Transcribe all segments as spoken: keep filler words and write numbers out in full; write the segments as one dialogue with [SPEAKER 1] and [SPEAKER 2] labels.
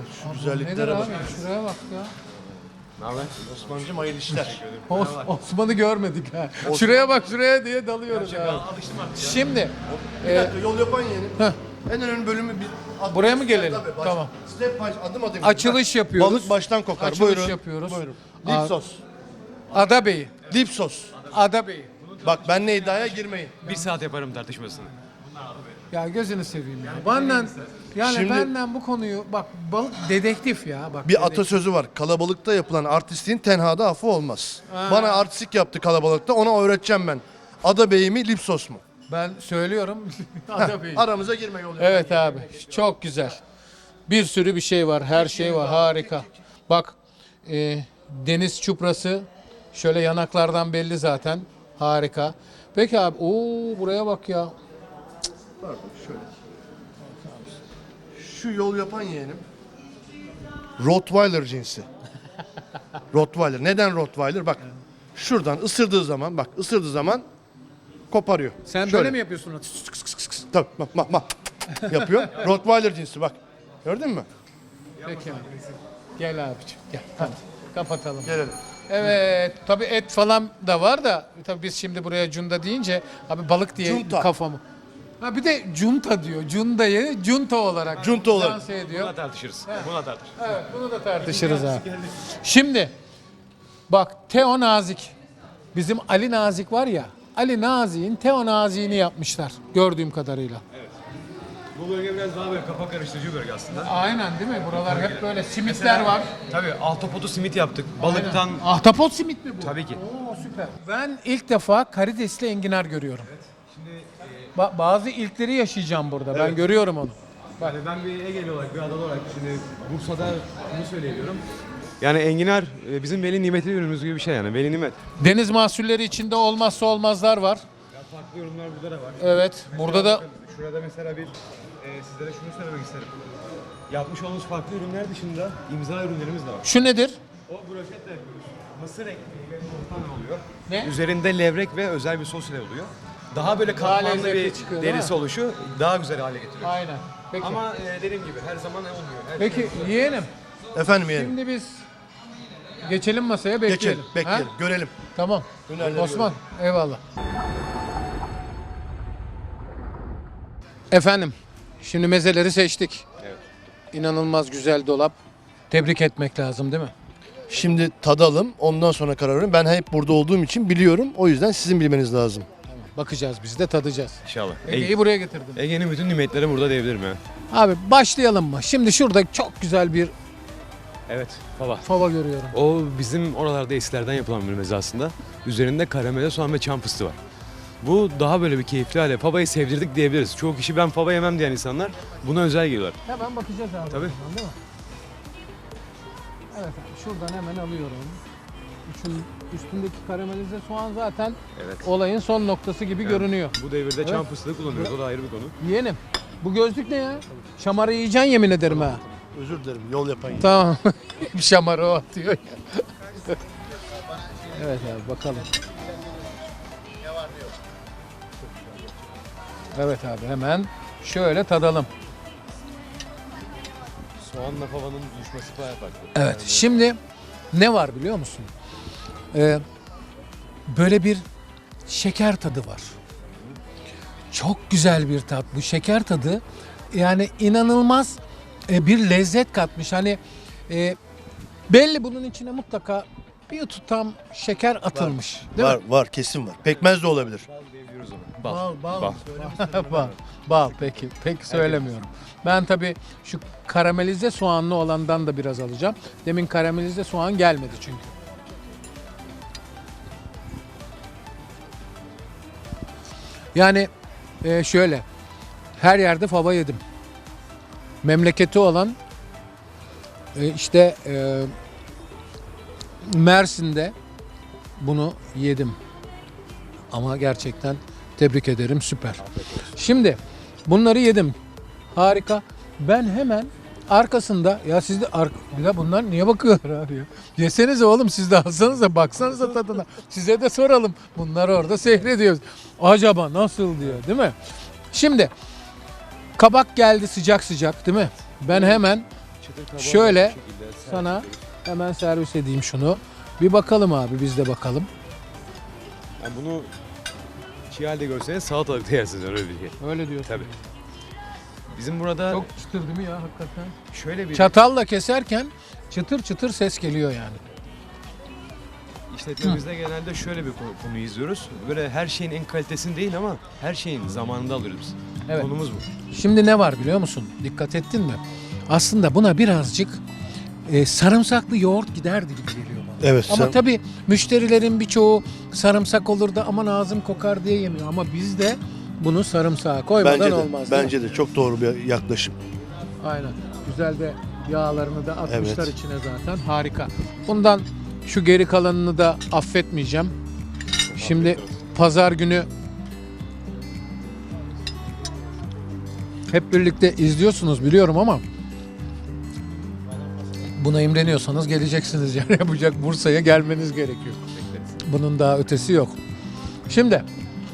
[SPEAKER 1] Şu
[SPEAKER 2] Nedir
[SPEAKER 1] güzelliklere
[SPEAKER 2] abi?
[SPEAKER 1] bak.
[SPEAKER 2] Şuraya bak ya.
[SPEAKER 1] Ne haber? Osman'cığım hayırlı işler.
[SPEAKER 2] Os Osman'ı görmedik ha. Şuraya bak şuraya diye dalıyoruz abi.
[SPEAKER 3] Alıştım artık ya.
[SPEAKER 2] Şimdi
[SPEAKER 1] Bir
[SPEAKER 2] e,
[SPEAKER 1] dakika yol yapan yeğenim.
[SPEAKER 2] Heh.
[SPEAKER 1] En önemli bölümü bir at-
[SPEAKER 2] Buraya mı gelelim?
[SPEAKER 1] Tabii, baş-
[SPEAKER 2] Tamam.
[SPEAKER 1] Step by adım adım.
[SPEAKER 2] Açılış
[SPEAKER 1] Bak,
[SPEAKER 2] yapıyoruz.
[SPEAKER 1] Balık baştan kokar.
[SPEAKER 2] Açılış
[SPEAKER 1] Buyurun.
[SPEAKER 2] yapıyoruz.
[SPEAKER 1] Buyurun.
[SPEAKER 2] Aa.
[SPEAKER 1] Dip sos.
[SPEAKER 2] Ada Bey'i.
[SPEAKER 1] Dip sos.
[SPEAKER 2] Ada Bey'i.
[SPEAKER 1] Bak benle iddiaya girmeyin.
[SPEAKER 3] Bir saat yaparım tartışmasını.
[SPEAKER 2] Ya gözünü seveyim ya. Benden yani
[SPEAKER 1] Şimdi-
[SPEAKER 2] benden bu konuyu bak balık dedektif ya bak.
[SPEAKER 1] Bir
[SPEAKER 2] dedektif.
[SPEAKER 1] atasözü var. Kalabalıkta yapılan artistliğin tenhada affı olmaz. Bana artistik yaptı kalabalıkta. Ona öğreteceğim ben. Ada Bey mi, lip sos mu?
[SPEAKER 2] Ben söylüyorum. Ada Bey.
[SPEAKER 1] Aramıza girme yol yapan.
[SPEAKER 2] Evet abi. Çok güzel. Bir sürü bir şey var. Her şey var. Harika. Bak e, deniz çuprası şöyle yanaklardan belli zaten. Harika. Peki abi. Oo buraya bak ya.
[SPEAKER 1] Pardon şöyle. Şu yol yapan yeğenim. Rottweiler cinsi. Rottweiler. Neden Rottweiler? Bak şuradan ısırdığı zaman bak ısırdığı zaman koparıyor.
[SPEAKER 2] Sen
[SPEAKER 1] Şöyle.
[SPEAKER 2] böyle mi yapıyorsun?
[SPEAKER 1] Tabii bak bak bak. Yapıyor. Rottweiler cinsi bak. Gördün mü?
[SPEAKER 2] Peki abi. Gel abiciğim. Gel. Hadi. Kapatalım.
[SPEAKER 1] Gelelim.
[SPEAKER 2] Evet. Tabii et falan da var da tabii biz şimdi buraya cunda deyince abi balık diye
[SPEAKER 1] Cunta.
[SPEAKER 2] kafamı. Ha bir de cunta diyor. Cundayı cunta olarak.
[SPEAKER 1] Cunta olarak.
[SPEAKER 2] lanse ediyor.
[SPEAKER 3] Buna tartışırız. Buna tartışırız.
[SPEAKER 2] Evet, bunu da tartışırız abi. Şimdi bak Teo Nazik. Bizim Ali Nazik var ya. Ali Nazik'in Teo Nazik'ini yapmışlar gördüğüm kadarıyla.
[SPEAKER 3] Bu bölge biraz daha böyle kafa karıştırıcı bir bölge aslında.
[SPEAKER 2] Aynen değil mi? Buralar hep böyle simitler var.
[SPEAKER 3] Tabii ahtapotu simit yaptık. Balıktan
[SPEAKER 2] Ahtapot simit mi bu?
[SPEAKER 3] tabii ki.
[SPEAKER 2] Oo süper. Ben ilk defa karidesli enginar görüyorum.
[SPEAKER 3] Şimdi
[SPEAKER 2] Ba- bazı ilkleri yaşayacağım burada. Ben görüyorum onu.
[SPEAKER 3] yani ben bir Egeli olarak, bir adalı olarak şimdi Bursa'da bunu söyleyebiliyorum. Yani enginar e, bizim veli nimetli ürünümüz gibi bir şey yani. Veli nimet.
[SPEAKER 2] Deniz mahsulleri içinde olmazsa olmazlar var.
[SPEAKER 3] Ya farklı ürünler burada da var.
[SPEAKER 2] Evet. Burada da
[SPEAKER 3] Bakın, şurada mesela bir e, sizlere şunu söylemek isterim. Yapmış olduğumuz farklı ürünler dışında imza ürünlerimiz de var.
[SPEAKER 2] şu nedir?
[SPEAKER 3] O broşetle yapıyoruz. Mısır ekmeği ve yumurtadan oluyor.
[SPEAKER 2] Ne?
[SPEAKER 3] Üzerinde levrek ve özel bir sos ile oluyor. Daha böyle
[SPEAKER 2] Daha
[SPEAKER 3] katmanlı
[SPEAKER 2] lezzetli
[SPEAKER 3] bir
[SPEAKER 2] çıkıyor, değil
[SPEAKER 3] derisi
[SPEAKER 2] mi?
[SPEAKER 3] oluşu daha güzel hale getiriyor.
[SPEAKER 2] Aynen. Peki.
[SPEAKER 3] Ama e, dediğim gibi her zaman olmuyor. Her
[SPEAKER 2] Peki yeğenim.
[SPEAKER 1] Efendim yeğenim.
[SPEAKER 2] Şimdi biz geçelim masaya bekleyelim.
[SPEAKER 1] Geçelim. Bekleyelim.
[SPEAKER 2] Ha?
[SPEAKER 1] Görelim.
[SPEAKER 2] Tamam.
[SPEAKER 1] Hünerleri
[SPEAKER 2] Osman eyvallah. Efendim şimdi mezeleri seçtik.
[SPEAKER 3] Evet.
[SPEAKER 2] İnanılmaz güzel dolap. Tebrik etmek lazım değil mi?
[SPEAKER 1] Şimdi tadalım. Ondan sonra karar verin. Ben hep burada olduğum için biliyorum. O yüzden sizin bilmeniz lazım.
[SPEAKER 2] Bakacağız biz de tadacağız.
[SPEAKER 3] İnşallah.
[SPEAKER 2] Ege'yi buraya getirdim.
[SPEAKER 3] Ege'nin bütün nimetleri burada diyebilirim ya.
[SPEAKER 2] Abi başlayalım mı? Şimdi şurada çok güzel bir
[SPEAKER 3] Evet. Fava.
[SPEAKER 2] fava görüyorum.
[SPEAKER 3] O bizim oralarda eskilerden yapılan bir meze aslında. Üzerinde karamele, soğan ve çam fıstığı var. Bu daha böyle bir keyifli hale. Fava'yı sevdirdik diyebiliriz. Çoğu kişi ben fava yemem diyen insanlar buna özel geliyorlar.
[SPEAKER 2] Hemen bakacağız abi.
[SPEAKER 3] Tabii.
[SPEAKER 2] o zaman, değil mi? Evet abi şuradan hemen alıyorum. Üçün, üstündeki karamelize soğan zaten
[SPEAKER 3] Evet.
[SPEAKER 2] olayın son noktası gibi görünüyor.
[SPEAKER 3] Bu devirde
[SPEAKER 2] Evet.
[SPEAKER 3] çam fıstığı kullanıyoruz. O da ayrı bir konu.
[SPEAKER 2] Yeğenim bu gözlük ne ya? Şamarı yiyeceksin yemin ederim ha.
[SPEAKER 1] Özür dilerim. Yol yapan yeğenim.
[SPEAKER 2] Tamam. Şamarı o atıyor ya. Evet abi bakalım. Evet abi hemen şöyle tadalım.
[SPEAKER 3] Soğanla favanın buluşması bayağı farklı.
[SPEAKER 2] Evet şimdi ne var biliyor musun? Ee, böyle bir şeker tadı var. Çok güzel bir tat. Bu şeker tadı yani inanılmaz e, bir lezzet katmış. Hani e, belli bunun içine mutlaka bir tutam şeker atılmış. Değil
[SPEAKER 1] Var
[SPEAKER 2] mi?
[SPEAKER 1] var kesin var. Pekmez de olabilir.
[SPEAKER 3] Bal diyebiliyoruz ona. Bal.
[SPEAKER 2] Bal, bal.
[SPEAKER 3] Bal.
[SPEAKER 2] bal. Bal peki. Peki söylemiyorum. Ben tabii şu karamelize soğanlı olandan da biraz alacağım. Demin karamelize soğan gelmedi çünkü. Yani e, şöyle her yerde fava yedim. Memleketi olan e, işte e, Mersin'de bunu yedim. Ama gerçekten tebrik ederim süper. Şimdi bunları yedim. Harika. Ben hemen arkasında ya siz de ar- bir de bunlar niye bakıyorlar abi ya? Yesenize oğlum siz de alsanıza baksanıza tadına. Size de soralım. Bunlar orada seyrediyoruz. Acaba nasıl diyor değil mi? Şimdi kabak geldi sıcak sıcak değil mi? Ben hemen
[SPEAKER 3] çıtır kabağı
[SPEAKER 2] Şöyle
[SPEAKER 3] bu şekilde servis
[SPEAKER 2] sana
[SPEAKER 3] ediyoruz.
[SPEAKER 2] hemen servis edeyim şunu. Bir bakalım abi, biz de bakalım.
[SPEAKER 3] Yani bunu çiğ halde görseniz salatalıkta yersiniz öyle bir şey.
[SPEAKER 2] Öyle diyorsun.
[SPEAKER 3] Tabii. Bizim burada
[SPEAKER 2] Çok çıtır değil mi ya hakikaten?
[SPEAKER 3] şöyle bir
[SPEAKER 2] Çatalla keserken çıtır çıtır ses geliyor yani.
[SPEAKER 3] işletmemizde genelde şöyle bir konu, konuyu izliyoruz. Böyle her şeyin en kalitesini değil ama her şeyin zamanında alıyoruz biz.
[SPEAKER 2] Evet.
[SPEAKER 3] Konumuz bu.
[SPEAKER 2] Şimdi ne var biliyor musun? Dikkat ettin mi? Aslında buna birazcık e, sarımsaklı yoğurt giderdi gibi geliyor bana.
[SPEAKER 1] Evet.
[SPEAKER 2] Ama
[SPEAKER 1] sen-
[SPEAKER 2] tabii müşterilerin birçoğu sarımsak olur da aman ağzım kokar diye yemiyor. Ama biz de bunu sarımsağa koymadan
[SPEAKER 1] bence de,
[SPEAKER 2] olmaz. değil mi?
[SPEAKER 1] bence de çok doğru bir yaklaşım.
[SPEAKER 2] Aynen. Güzel de yağlarını da atmışlar
[SPEAKER 1] Evet.
[SPEAKER 2] içine zaten. Harika. Bundan şu geri kalanını da affetmeyeceğim. Şimdi pazar günü hep birlikte izliyorsunuz biliyorum ama buna imreniyorsanız geleceksiniz yani yapacak, Bursa'ya gelmeniz gerekiyor. Bunun daha ötesi yok. Şimdi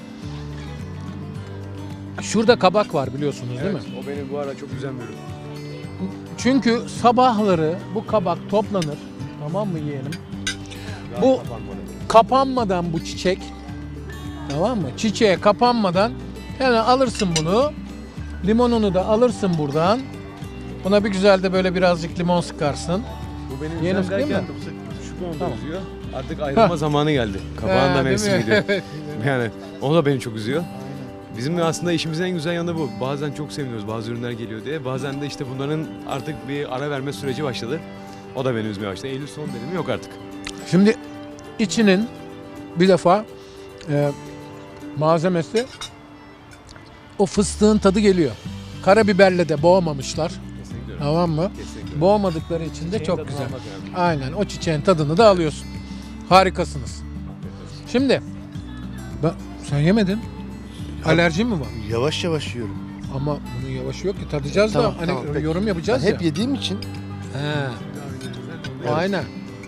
[SPEAKER 2] şurada kabak var biliyorsunuz değil mi?
[SPEAKER 3] Evet, o beni bu ara çok üzen bir ürün.
[SPEAKER 2] Çünkü sabahları bu kabak toplanır. Tamam mı yeğenim? Bu kapanmadan bu çiçek, tamam mı? Çiçeğe kapanmadan hemen alırsın bunu. Limonunu da alırsın buradan. Buna bir güzel de böyle birazcık limon sıkarsın.
[SPEAKER 3] Bu benim
[SPEAKER 2] Yeni
[SPEAKER 3] üzen
[SPEAKER 2] değil
[SPEAKER 3] derken
[SPEAKER 2] mi?
[SPEAKER 3] şu konuda
[SPEAKER 2] Tamam.
[SPEAKER 3] üzüyor. Artık ayrılma zamanı geldi. Kabağın da
[SPEAKER 2] He, değil
[SPEAKER 3] mevsimi
[SPEAKER 2] mi?
[SPEAKER 3] gidiyor.
[SPEAKER 2] Evet.
[SPEAKER 3] Yani o da beni çok üzüyor. Bizim de aslında işimizin en güzel yanı bu. Bazen çok seviniyoruz bazı ürünler geliyor diye. Bazen de işte bunların artık bir ara verme süreci başladı. O da beni üzmeye başladı. Eylül son benim yok artık.
[SPEAKER 2] Şimdi içinin bir defa e, malzemesi o fıstığın tadı geliyor. Karabiberle de boğmamışlar.
[SPEAKER 3] Kesinlikle öyle.
[SPEAKER 2] Tamam mı?
[SPEAKER 3] Kesinlikle.
[SPEAKER 2] Boğmadıkları için de
[SPEAKER 3] Çiçeğin
[SPEAKER 2] çok
[SPEAKER 3] tadını
[SPEAKER 2] güzel.
[SPEAKER 3] almak önemli.
[SPEAKER 2] Aynen, o çiçeğin tadını da alıyorsun. Harikasınız. Şimdi ben, sen yemedin. Alerjin mi var?
[SPEAKER 1] Yavaş yavaş yiyorum.
[SPEAKER 2] Ama bunun yavaşı yok ki, tadacağız
[SPEAKER 1] Tamam,
[SPEAKER 2] da hani
[SPEAKER 1] tamam, peki.
[SPEAKER 2] yorum
[SPEAKER 1] Ben
[SPEAKER 2] yapacağız ya.
[SPEAKER 1] hep yediğim için
[SPEAKER 2] He. Aynen.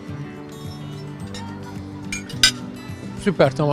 [SPEAKER 2] Süper, tamam.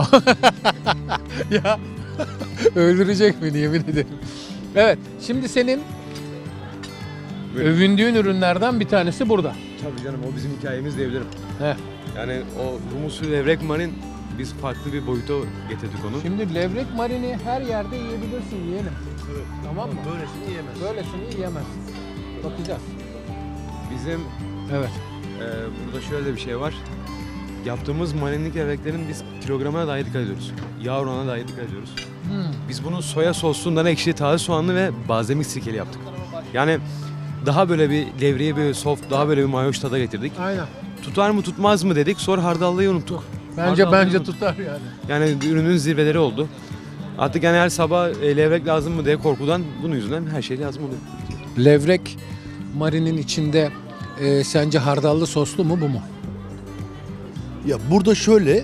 [SPEAKER 2] Ya öldürecek beni yemin ederim. Evet, şimdi senin
[SPEAKER 3] Buyurun.
[SPEAKER 2] övündüğün ürünlerden bir tanesi burada.
[SPEAKER 3] Tabii canım o bizim hikayemiz diyebilirim.
[SPEAKER 2] Heh.
[SPEAKER 3] Yani o humusu levrek marin biz farklı bir boyuta getirdik onu.
[SPEAKER 2] Şimdi levrek marini her yerde yiyebilirsin yeğenim. Tamam mı?
[SPEAKER 1] böylesini yiyemez.
[SPEAKER 2] Böylesini yiyemezsin. Bakacağız.
[SPEAKER 3] Bizim
[SPEAKER 2] Evet.
[SPEAKER 3] e, burada şöyle bir şey var. Yaptığımız marinlik levreklerin biz kilogramına dahi dikkat ediyoruz. Yağ oranına dahi dikkat ediyoruz.
[SPEAKER 2] Hmm.
[SPEAKER 3] Biz bunu soya sosundan ekşi, taze soğanlı ve balzamik sirkeli yaptık. Yani daha böyle bir levreye bir soft, daha böyle bir mayoş tada getirdik.
[SPEAKER 2] Aynen.
[SPEAKER 3] Tutar mı tutmaz mı dedik, sonra hardallıyı unuttuk.
[SPEAKER 2] Bence
[SPEAKER 3] Hardallıyı
[SPEAKER 2] bence
[SPEAKER 3] unuttuk.
[SPEAKER 2] tutar yani.
[SPEAKER 3] Yani ürünün zirveleri oldu. Artık yani her sabah e, levrek lazım mı diye korkudan bunun yüzünden her şey lazım oluyor.
[SPEAKER 2] Levrek marinin içinde e, sence hardallı soslu mu bu mu?
[SPEAKER 1] Ya burada şöyle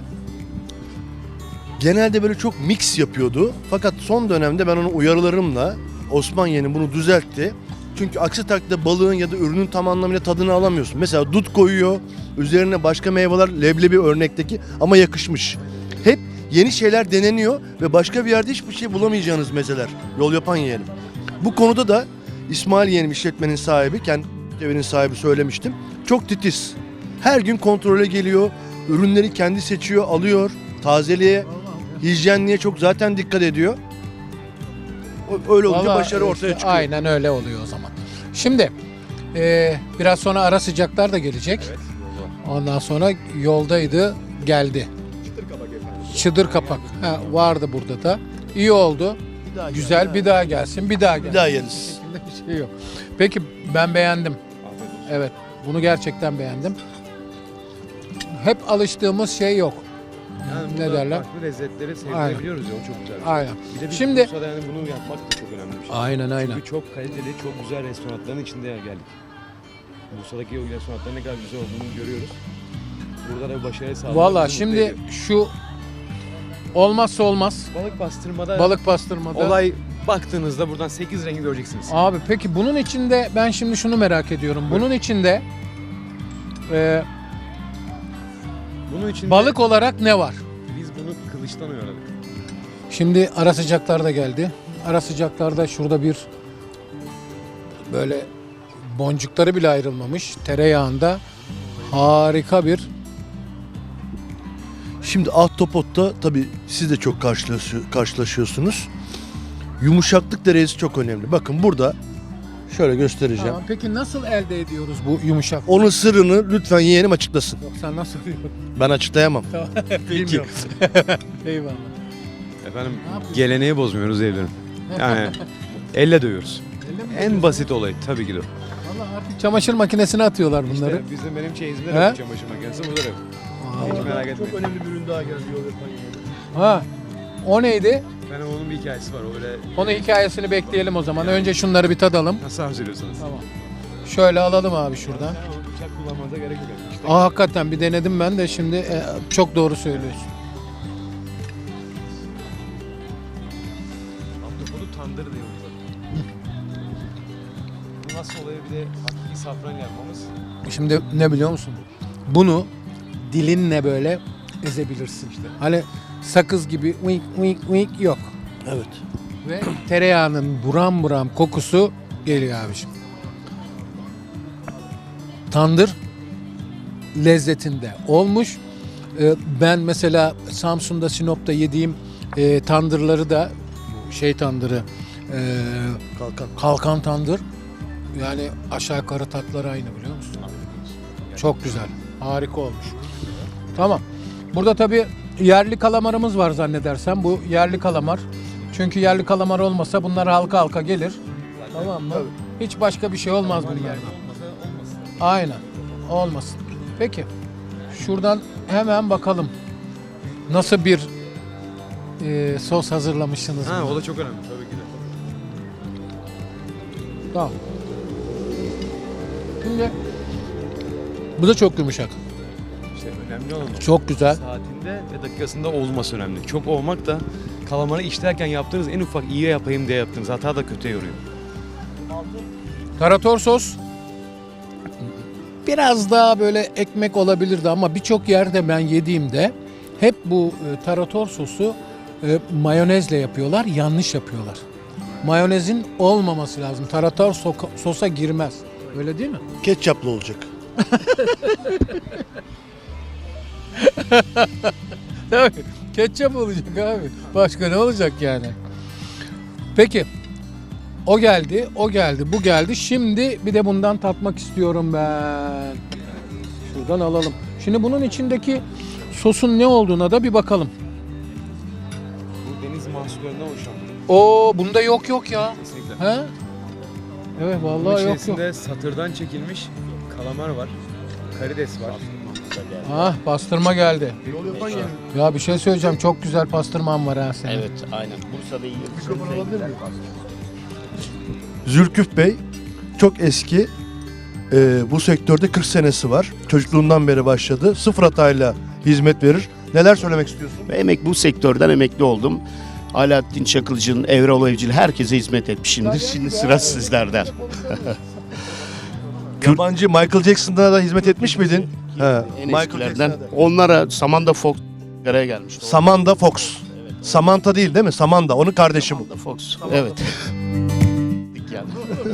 [SPEAKER 1] genelde böyle çok mix yapıyordu. Fakat son dönemde ben onu uyarılarımla Osman yeğenim bunu düzeltti. Çünkü aksi takdirde balığın ya da ürünün tam anlamıyla tadını alamıyorsun. Mesela dut koyuyor, üzerine başka meyveler, leblebi örnekteki ama yakışmış. Hep yeni şeyler deneniyor ve başka bir yerde hiçbir şey bulamayacağınız mezeler. Yol yapan yeğenim. Bu konuda da İsmail yeğenim işletmenin sahibi, kendi evinin sahibi söylemiştim. Çok titiz. Her gün kontrole geliyor, ürünleri kendi seçiyor, alıyor, tazeliğe, hijyenliğe çok zaten dikkat ediyor. O- Öyle olunca
[SPEAKER 2] Vallahi
[SPEAKER 1] başarı ortaya
[SPEAKER 2] işte
[SPEAKER 1] çıkıyor.
[SPEAKER 2] Aynen öyle oluyor o zaman. Şimdi e, biraz sonra ara sıcaklar da gelecek.
[SPEAKER 3] Evet.
[SPEAKER 2] Ondan sonra yoldaydı, geldi.
[SPEAKER 3] Çıtır kabak efendim.
[SPEAKER 2] Çıdır kapak. Ha, vardı burada da. İyi oldu.
[SPEAKER 1] Bir daha
[SPEAKER 2] Güzel,
[SPEAKER 1] gel,
[SPEAKER 2] bir daha gelsin, bir daha gelsin.
[SPEAKER 1] bir daha yeriz.
[SPEAKER 2] Bir şey yok. Peki ben beğendim.
[SPEAKER 3] Afiyet olsun.
[SPEAKER 2] Evet, bunu gerçekten beğendim. Hep alıştığımız şey yok.
[SPEAKER 3] Yani
[SPEAKER 2] Ne
[SPEAKER 3] burada
[SPEAKER 2] derler?
[SPEAKER 3] farklı lezzetleri sevdirebiliyoruz ya o çok güzel bir şey.
[SPEAKER 2] Aynen.
[SPEAKER 3] Bir de biz
[SPEAKER 2] Şimdi-
[SPEAKER 3] Bursa'da yani bunu yapmak da çok önemli bir şey.
[SPEAKER 2] Aynen aynen.
[SPEAKER 3] Çünkü çok kaliteli, çok güzel restoranların içinde geldik. Bursa'daki o restoranların ne kadar güzel olduğunu görüyoruz. Burada da bir başarı sağlamak
[SPEAKER 2] Valla
[SPEAKER 3] bizi mutlu
[SPEAKER 2] şimdi
[SPEAKER 3] ediyor.
[SPEAKER 2] şu olmazsa olmaz
[SPEAKER 3] Balık pastırmada
[SPEAKER 2] balık pastırmada.
[SPEAKER 3] olay baktığınızda buradan sekiz rengi göreceksiniz.
[SPEAKER 2] Abi peki bunun içinde ben şimdi şunu merak ediyorum. Bunun içinde e,
[SPEAKER 3] Bunun için
[SPEAKER 2] balık olarak ne var?
[SPEAKER 3] biz bunu kılıçtan uyarladık.
[SPEAKER 2] Şimdi ara sıcaklar da geldi. Ara sıcaklarda şurada bir böyle boncukları bile ayrılmamış. Tereyağında harika bir.
[SPEAKER 1] Şimdi ahtapotta tabii siz de çok karşılaşıyor- karşılaşıyorsunuz. Yumuşaklık derecesi çok önemli. Bakın burada şöyle göstereceğim.
[SPEAKER 2] Tamam, peki nasıl elde ediyoruz bu yumuşak?
[SPEAKER 1] Onun sırrını lütfen yeğenim açıklasın.
[SPEAKER 2] Yok, sen nasıl diyorsun?
[SPEAKER 1] Ben açıklayamam.
[SPEAKER 2] Tamam. Bilmiyorum. Eyvallah.
[SPEAKER 3] Efendim
[SPEAKER 2] Ne yapıyorsun?
[SPEAKER 3] geleneği bozmuyoruz evlerim. Yani elle dövüyoruz.
[SPEAKER 2] Elle mi
[SPEAKER 3] En
[SPEAKER 2] yapıyorsun?
[SPEAKER 3] basit olay tabii ki de. o.
[SPEAKER 2] Vallahi artık çamaşır makinesine atıyorlar bunları.
[SPEAKER 3] İşte bizim benim çeyizimde
[SPEAKER 2] He?
[SPEAKER 3] de bu çamaşır makinesi burada da yok. Hiç merak etmeyin.
[SPEAKER 1] Çok önemli bir ürün daha geldi yol yapan yeğenim.
[SPEAKER 2] Ha. O neydi?
[SPEAKER 3] Efendim onun bir hikayesi var. Öyle
[SPEAKER 2] Onun hikayesini bekleyelim o zaman. Önce şunları bir tadalım.
[SPEAKER 3] nasıl hazırlıyorsanız.
[SPEAKER 2] Tamam. Şöyle alalım abi şuradan.
[SPEAKER 3] Yani o bıçak kullanmanıza gerek yok. İşte
[SPEAKER 2] Aa, hakikaten bir denedim ben de şimdi e, çok doğru söylüyorsun.
[SPEAKER 3] ahtapotu tandır diyoruz zaten. Bu nasıl oluyor bir de hakiki safran yapmamız.
[SPEAKER 2] Şimdi ne biliyor musun? Bunu dilinle böyle ezebilirsin.
[SPEAKER 3] İşte.
[SPEAKER 2] Hani sakız gibi wink wink wink yok.
[SPEAKER 1] Evet.
[SPEAKER 2] Ve tereyağının buram buram kokusu geliyor abiciğim. Tandır lezzetinde olmuş. Ee, ben mesela Samsun'da, Sinop'ta yediğim e, tandırları da şey tandırı, e,
[SPEAKER 1] Kalkan.
[SPEAKER 2] kalkan tandır. Yani aşağı yukarı tatları aynı biliyor musun? Çok güzel. Harika olmuş. Tamam. Burada tabii yerli kalamarımız var zannedersem. Bu yerli kalamar. Çünkü yerli kalamar olmasa bunlar halka halka gelir. Tamam mı? Hiç başka bir şey olmaz bunlardan. Aynen. Olmasın. Peki. Şuradan hemen bakalım. Nasıl bir e, sos hazırlamışsınız?
[SPEAKER 3] Ha
[SPEAKER 2] buna?
[SPEAKER 3] o da çok önemli tabii ki de.
[SPEAKER 2] Tamam. Şimdi bu da çok yumuşak.
[SPEAKER 3] İşte önemli olan o.
[SPEAKER 2] Çok güzel.
[SPEAKER 3] Saatinde ve dakikasında olması önemli. Çok olmak da kalamarı işlerken yaptığınız en ufak iyi yapayım diye yaptığınız hata da kötüye yoruyor.
[SPEAKER 2] Tarator sos biraz daha böyle ekmek olabilirdi ama birçok yerde ben yediğimde hep bu e, tarator sosu e, mayonezle yapıyorlar. Yanlış yapıyorlar. Mayonezin olmaması lazım. Tarator soka- sosa girmez. Öyle değil mi?
[SPEAKER 1] Ketçaplı olacak.
[SPEAKER 2] Tabii. Ketçap olacak abi. Başka ne olacak yani? Peki. O geldi, o geldi, bu geldi. Şimdi bir de bundan tatmak istiyorum ben. Şuradan alalım. Şimdi bunun içindeki sosun ne olduğuna da bir bakalım.
[SPEAKER 3] Bu deniz mahsullerinden oluşan.
[SPEAKER 2] Oo, bunda yok yok ya.
[SPEAKER 3] Kesinlikle.
[SPEAKER 2] He? Evet
[SPEAKER 3] Bunun
[SPEAKER 2] vallahi yok yok.
[SPEAKER 3] içerisinde satırdan çekilmiş kalamar var. Karides var.
[SPEAKER 2] Ah, pastırma geldi.
[SPEAKER 1] Yol yapan yeğenim.
[SPEAKER 2] Ya bir şey söyleyeceğim. Çok güzel pastırman var ha senin.
[SPEAKER 4] Evet, aynen. Bursa'da yiyoruz.
[SPEAKER 1] Mikrofon alabilir miyim? Zülküf Bey çok eski. Ee, bu sektörde kırk senesi var. Çocukluğundan beri başladı. Sıfır hatayla hizmet verir. Neler söylemek istiyorsun?
[SPEAKER 4] Ve emek bu sektörden emekli oldum. Alaaddin Çakılcı'nın, Evrol Evcil herkese hizmet etmişimdir. Şimdi sıra sizlerden.
[SPEAKER 1] Yabancı Michael Jackson'da da hizmet etmiş miydin? He.
[SPEAKER 4] En
[SPEAKER 1] Michael
[SPEAKER 4] eskilerden.
[SPEAKER 1] Jackson'da.
[SPEAKER 4] Onlara Samanda Fox araya gelmişti.
[SPEAKER 1] Samantha Fox. Samantha değil değil mi? Samantha. Onun kardeşi bu.
[SPEAKER 4] Samanda Fox. Evet. yani.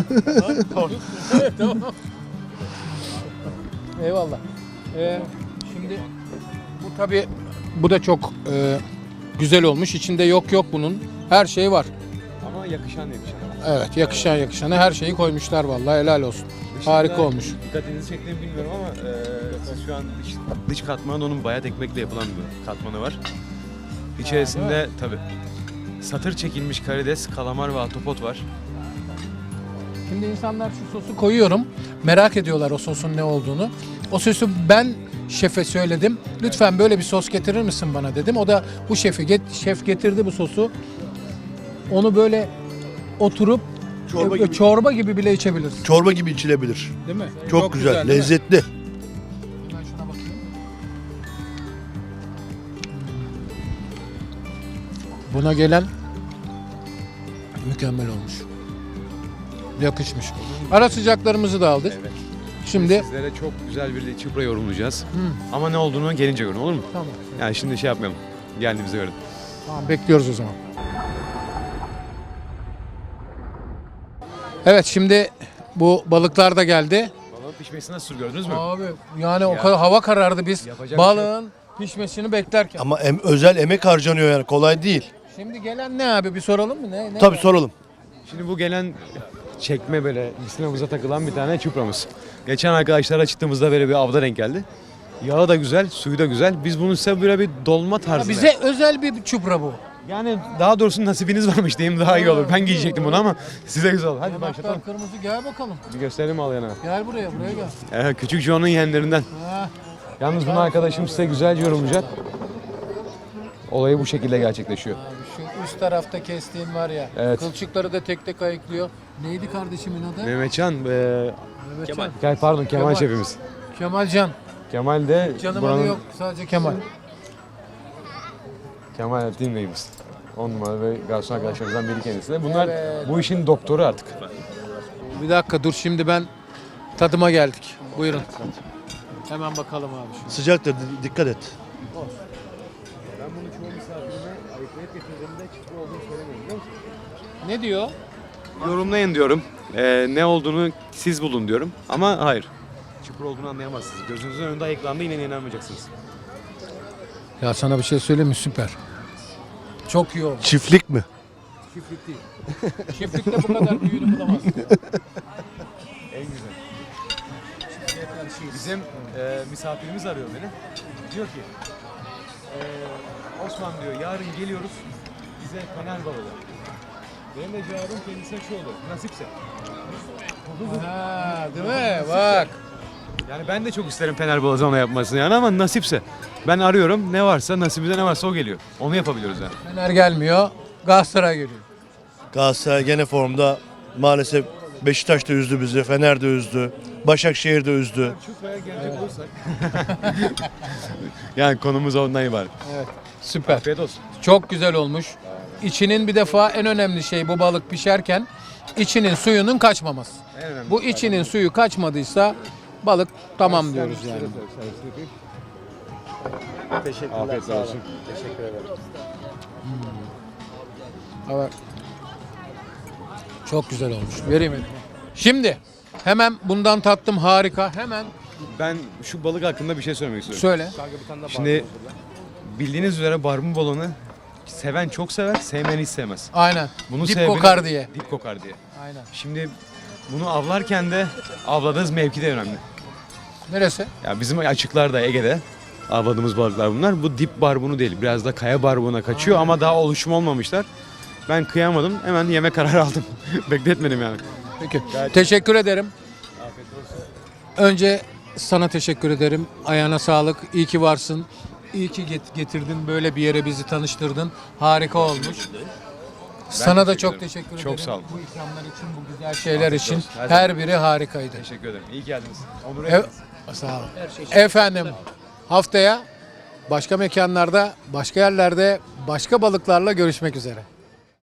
[SPEAKER 2] Eyvallah. Ee, şimdi bu tabii bu da çok e, güzel olmuş. İçinde yok yok bunun. Her şey var.
[SPEAKER 3] Ama yakışan demiş.
[SPEAKER 2] Evet, yakışan yakışana her şeyi koymuşlar vallahi, helal olsun. Harika olmuş.
[SPEAKER 3] Dikkatinizi çektiğimi bilmiyorum ama e, siz şu an dış, dış katmanı onun bayat ekmekle yapılan bir katmanı var. İçerisinde tabi satır çekilmiş karides, kalamar ve ahtapot var.
[SPEAKER 2] Şimdi insanlar şu sosu koyuyorum. Merak ediyorlar o sosun ne olduğunu. O sosu ben şefe söyledim. Lütfen böyle bir sos getirir misin bana dedim. O da bu şefi get, şef getirdi bu sosu. Onu böyle oturup
[SPEAKER 1] Çorba
[SPEAKER 2] e,
[SPEAKER 1] gibi.
[SPEAKER 2] çorba gibi bile içebilirsin.
[SPEAKER 1] Çorba gibi içilebilir.
[SPEAKER 2] Değil mi?
[SPEAKER 1] Çok, güzel,
[SPEAKER 2] değil mi?
[SPEAKER 1] lezzetli.
[SPEAKER 2] Hemen şuna bakayım. Buna gelen mükemmel olmuş. Yakışmış. Ara sıcaklarımızı da aldık.
[SPEAKER 3] Evet.
[SPEAKER 2] Şimdi
[SPEAKER 3] Sizlere çok güzel bir çıpra yorumlayacağız.
[SPEAKER 2] Hı.
[SPEAKER 3] Ama ne olduğunu gelince görün, olur mu?
[SPEAKER 2] tamam.
[SPEAKER 3] Yani şimdi şey yapmayalım. Geldiğimizde görün.
[SPEAKER 2] Tamam, bekliyoruz o zaman. Evet, şimdi Bu balıklar da geldi.
[SPEAKER 3] Balığın pişmesini nasıl gördünüz mü?
[SPEAKER 2] Abi yani o
[SPEAKER 3] Ya.
[SPEAKER 2] kadar hava karardı biz
[SPEAKER 3] Yapacak bir şey
[SPEAKER 2] balığın pişmesini beklerken.
[SPEAKER 1] Ama em- özel emek harcanıyor yani kolay değil.
[SPEAKER 2] Şimdi gelen ne abi bir soralım mı? Ne, ne
[SPEAKER 1] Tabii soralım.
[SPEAKER 3] Şimdi bu gelen çekme böyle misinamıza takılan bir tane çupramız. Geçen arkadaşlarla çıktığımızda böyle bir avda denk geldi. Yağı da güzel, suyu da güzel. Biz bunu size böyle bir dolma
[SPEAKER 2] Ha,
[SPEAKER 3] tarzı.
[SPEAKER 2] bize özel bir çupra bu.
[SPEAKER 3] Yani daha doğrusu nasibiniz varmış diyeyim daha iyi olur. Ben giyecektim bunu ama size güzel olur. Hadi
[SPEAKER 2] Yanaklar
[SPEAKER 3] başlatalım.
[SPEAKER 2] kırmızı gel bakalım.
[SPEAKER 3] Bir gösterelim al yana.
[SPEAKER 2] Gel buraya buraya gel.
[SPEAKER 3] Evet, küçük John'un yeğenlerinden.
[SPEAKER 2] Ha,
[SPEAKER 3] Yalnız bunu arkadaşım size güzelce yorumlayacak. Olayı bu şekilde gerçekleşiyor.
[SPEAKER 2] abi şu üst tarafta kestiğin var ya.
[SPEAKER 3] Evet.
[SPEAKER 2] Kılçıkları da tek tek ayıklıyor. Neydi kardeşimin adı?
[SPEAKER 3] Mehmetcan, e,
[SPEAKER 2] Kemal.
[SPEAKER 3] Kemal, pardon Kemal,
[SPEAKER 2] Kemal.
[SPEAKER 3] şefimiz.
[SPEAKER 2] Kemalcan.
[SPEAKER 3] Kemal de
[SPEAKER 2] Canım
[SPEAKER 3] buranın-
[SPEAKER 2] adı yok sadece Kemal.
[SPEAKER 3] Kemal Team Bey'imiz. On numara ve garson arkadaşlarımızdan biri kendisi de. Bunlar
[SPEAKER 2] Evet.
[SPEAKER 3] bu işin doktoru artık.
[SPEAKER 2] Bir dakika dur şimdi ben tadıma geldik. Buyurun. Hemen bakalım abi şu.
[SPEAKER 1] Sıcaktır di- dikkat et.
[SPEAKER 3] Ben bunu çoğu misafirime ayıklayıp getirdiğimde çıkma olduğunu söylemiyorum biliyor musun?
[SPEAKER 2] Ne diyor?
[SPEAKER 3] Yorumlayın diyorum. Ee, ne olduğunu siz bulun diyorum. Ama hayır. Çukur olduğunu anlayamazsınız. Gözünüzün önünde ayıklandı yine inanmayacaksınız.
[SPEAKER 2] Ya sana bir şey söyleyeyim mi? Süper. Çok iyi oldu.
[SPEAKER 1] Çiftlik mi?
[SPEAKER 2] Çiftlik değil. Çiftlikte bu kadar büyüğünü bulamazsın.
[SPEAKER 3] En güzel. Bizim e, misafirimiz arıyor beni. Diyor ki e, Osman diyor yarın geliyoruz bize fener balığı. Benim de cevabım kendisine şu olur. Nasipse.
[SPEAKER 2] Ha, değil mi? Bak.
[SPEAKER 3] Yani ben de çok isterim fener balığı ona yapmasını yani ama nasipse. Ben arıyorum ne varsa nasibimizde ne varsa o geliyor. Onu yapabiliyoruz yani.
[SPEAKER 2] Fener gelmiyor. Galatasaray geliyor.
[SPEAKER 1] Galatasaray gene formda. Maalesef Beşiktaş da üzdü bizi. Fener de üzdü. Başakşehir de üzdü.
[SPEAKER 3] Çukur'a gelecek olursak. Yani konumuz ondan ibaret.
[SPEAKER 2] Süper.
[SPEAKER 3] Afiyet olsun.
[SPEAKER 2] Çok güzel olmuş. İçinin bir defa en önemli şey bu balık pişerken içinin suyunun kaçmaması.
[SPEAKER 3] En önemli.
[SPEAKER 2] Bu içinin suyu kaçmadıysa balık tamam diyoruz yani.
[SPEAKER 3] Afiyet olsun.
[SPEAKER 2] Evet. Çok güzel olmuş. Vereyim elime. Şimdi hemen bundan tattım harika. Hemen
[SPEAKER 3] Ben şu balık hakkında bir şey söylemek istiyorum.
[SPEAKER 2] söyle.
[SPEAKER 3] Şimdi bildiğiniz üzere barbun balığını seven çok sever, sevmeyen hiç sevmez.
[SPEAKER 2] Aynen.
[SPEAKER 3] Bunu
[SPEAKER 2] Dip
[SPEAKER 3] sebebi-
[SPEAKER 2] kokar diye.
[SPEAKER 3] Dip kokar diye.
[SPEAKER 2] Aynen.
[SPEAKER 3] Şimdi bunu avlarken de avladığınız mevki de önemli.
[SPEAKER 2] Neresi?
[SPEAKER 3] Ya bizim açıklarda Ege'de avladığımız balıklar bunlar. Bu dip barbunu değil. Biraz da kaya barbuğuna kaçıyor ama daha oluşum olmamışlar. Ben kıyamadım. Hemen yeme kararı aldım. Bekletmedim yani.
[SPEAKER 2] Peki. Teşekkür ederim. Önce sana teşekkür ederim. Ayağına sağlık. İyi ki varsın. İyi ki get- getirdin. Böyle bir yere bizi tanıştırdın. Harika olmuş. Sana da
[SPEAKER 3] teşekkür
[SPEAKER 2] çok
[SPEAKER 3] ederim.
[SPEAKER 2] teşekkür ederim.
[SPEAKER 3] Çok sağ olun.
[SPEAKER 2] Bu ikramlar için, bu güzel şeyler için.
[SPEAKER 3] olsun. Her
[SPEAKER 2] Her biri harikaydı.
[SPEAKER 3] Teşekkür ederim. İyi geldiniz. Onur
[SPEAKER 2] E- Sağ olun. Efendim haftaya başka mekanlarda, başka yerlerde, başka balıklarla görüşmek üzere.